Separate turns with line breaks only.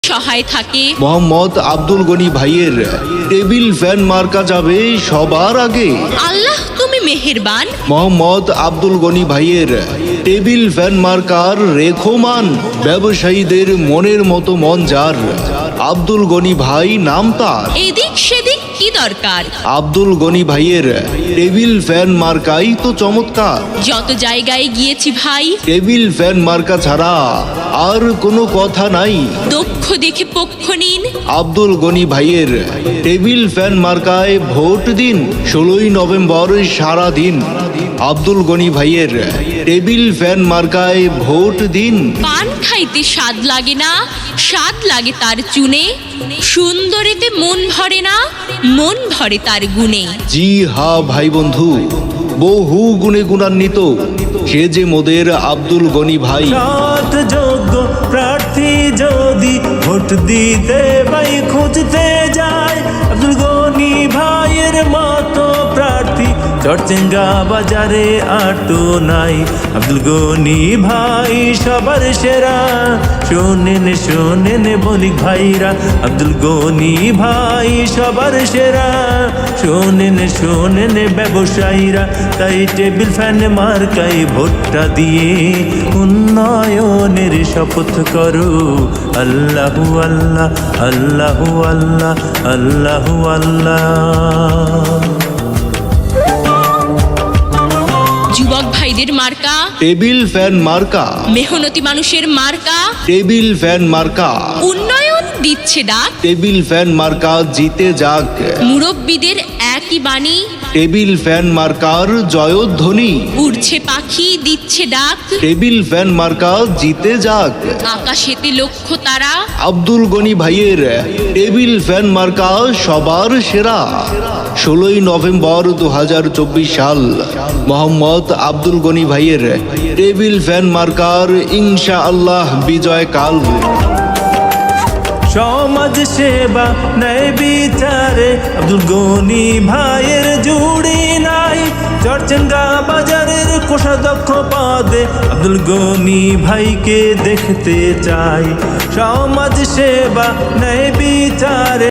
সহায় থাকে।
মোহাম্মদ আব্দুল গনি ভাইয়ের টেবিল ফ্যান মার্কা যাবে সবার আগে।
আল্লাহ তুমি মেহেরবান।
মোহাম্মদ আব্দুল গনি ভাইয়ের টেবিল ফ্যান মার্কার রেখমান, ব্যবসায়ীদের মনের মতো মন যার, আব্দুল গনি ভাই নাম তার।
এদিক সেদিক কি দরকার,
আব্দুল গনি ভাইয়ের টেবিল ফ্যান মার্কাই তো চমৎকার।
যত জায়গায় গিয়েছি ভাই,
টেবিল ফ্যান মার্কা ছাড়া আর কোনো কথা নাই।
দক্ষ দেখে পক্ষ নিন।
আব্দুল গনি ভাইয়ের টেবিল ফ্যান মার্কায় ভোট দিন 16ই নভেম্বর সারা দিন। আব্দুল গনি ভাইয়ের টেবিল ফ্যান মার্কায় ভোট দিন।
পান খাইতে স্বাদ লাগে না, স্বাদ লাগে তার চুনে। সুন্দরেতে মন ভরে না, মন ভরে তার গুণে।
জি হা ভাই বন্ধু, বহু গুণে গুণান্বিত সে যে মোদের আব্দুল গনি ভাই।
সৎ যোগ্য প্রার্থী যদি ভোট দিতে ভাই খুঁজতে যায়, আব্দুল গনি ভাইয়ের মতো প্রার্থী চরচেঙ্গা বাজারে আর তো নাই। আব্দুল গনি ভাই সবার সেরা, শোনেন শোনেন বণিক ভাইরা, আব্দুল গনি ভাই সবার সেরা, শোনেন শোনেন ব্যবসায়ীরা। তাই টেবিল ফ্যান মার্কাই ভোটটা দিয়ে উন্নয়নের শপথ করো। আল্লাহু আল্লাহ আল্লাহু আল্লাহ আল্লাহু আল্লাহ।
যুবক ভাইদের মার্কা
টেবিল ফ্যান মার্কা,
মেহনতি মানুষের মার্কা,
টেবিল ফ্যান মার্কা,
উন্নয়ন দিচ্ছে ডাক।
টেবিল ফ্যান মার্কা জিতে যাক।
মুরব্বীদের একই বাণী,
টেবিল ফ্যান মার্কার জয়ধ্বনি।
উড়ছে পাখি দিচ্ছে ডাক।
টেবিল ফ্যান মার্কা জিতে যাক।
আকাশেতে লক্ষ্য তারা,
আব্দুল গনি ভাইয়ের টেবিল ফ্যান মার্কা সবার সেরা। 16ই নভেম্বর 2024 সাল মোহাম্মদ আব্দুল গনি ভাইয়ের টেবিল ফ্যান মার্কার ইনশাআল্লাহ বিজয় কাল।
সমাজ সেবা ন্যায় বিচারে আব্দুল গনি ভাইয়ের জুড়ি নাই। চরচেঙ্গা বাজারের কোষাধ্যক্ষ পদে আব্দুল গনি ভাইকে দেখতে চাই। সমাজ সেবা ন্যায় বিচারে